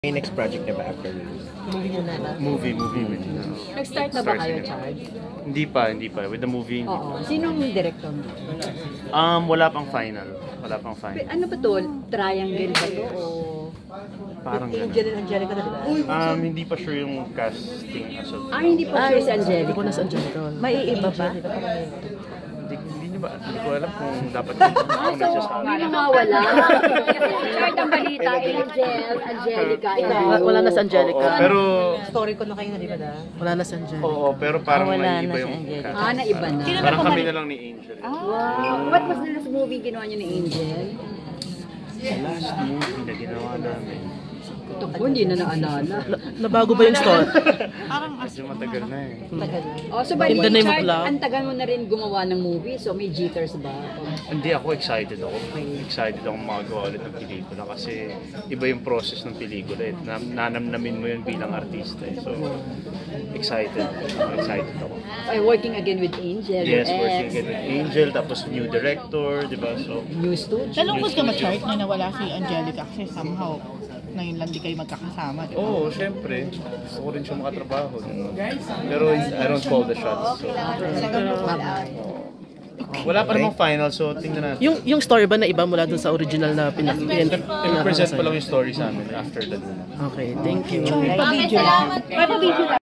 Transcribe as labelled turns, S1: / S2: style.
S1: May next project niya ba after
S2: Movie niya na.
S3: Movie with
S2: Nag-start na ba kayo, Charles?
S3: Hindi pa. With the movie, hindi
S2: Oo. Sinong director mo?
S3: Wala pang final.
S2: Ano ba to? Triangle ba to? O...
S3: Parang
S2: Angel
S3: ganun.
S2: and Angelica na, di ba?
S3: Hindi pa sure yung casting as of...
S2: Hindi pa sure si Angelica.
S4: Hindi ko na sa Angelica.
S2: May iba pa?
S3: Hindi ko alam kung dapat ako nagsasabi.
S2: Hindi mawala. Kahit ang balita, Angelica.
S4: Wala na sa Angelica.
S3: Pero...
S2: Story ko na kayo na, di ba da?
S4: Wala na sa Angelica.
S3: Oo, pero parang
S4: wala
S3: may iba
S4: na si
S3: yung
S4: Angelica.
S3: cast.
S2: Naiba na.
S3: Parang kami na lang ni Angel.
S2: Wow. What was the last movie ginawa niyo ni Angel?
S3: Sa last movie na ginawa namin.
S2: Ito po, hindi na naalala.
S4: Nabago ba yung story?
S3: Medyo matagal na eh.
S2: So bali,
S4: In the name of
S2: Chart,
S4: love.
S2: ang tagal mo na rin gumawa ng movie, so may jitters ba?
S3: Hindi ako excited ako. Excited akong magawa ulit ng pelikula kasi iba yung process ng pelikula eh. Nanamnamin mo yun bilang artista eh. So, excited ako.
S2: Working again with Angel.
S3: Yes,
S2: your
S3: working
S2: ex,
S3: again with Angel, tapos new director, di ba? So,
S2: New studio.
S5: Nalungkot ka ma-chart na nawala si Angelica kasi somehow ngayon lang di kayo magkakasama, di ba?
S3: oo, syempre. Gusto ko rin siya makatrabaho. Pero I don't call the shots. So, wala pa namang final, so tingnan natin.
S4: Yung story ba na iba mula dun sa original na
S3: I-present pa lang yung story sa amin after that.
S4: Okay, thank you.
S5: Pa-video lang.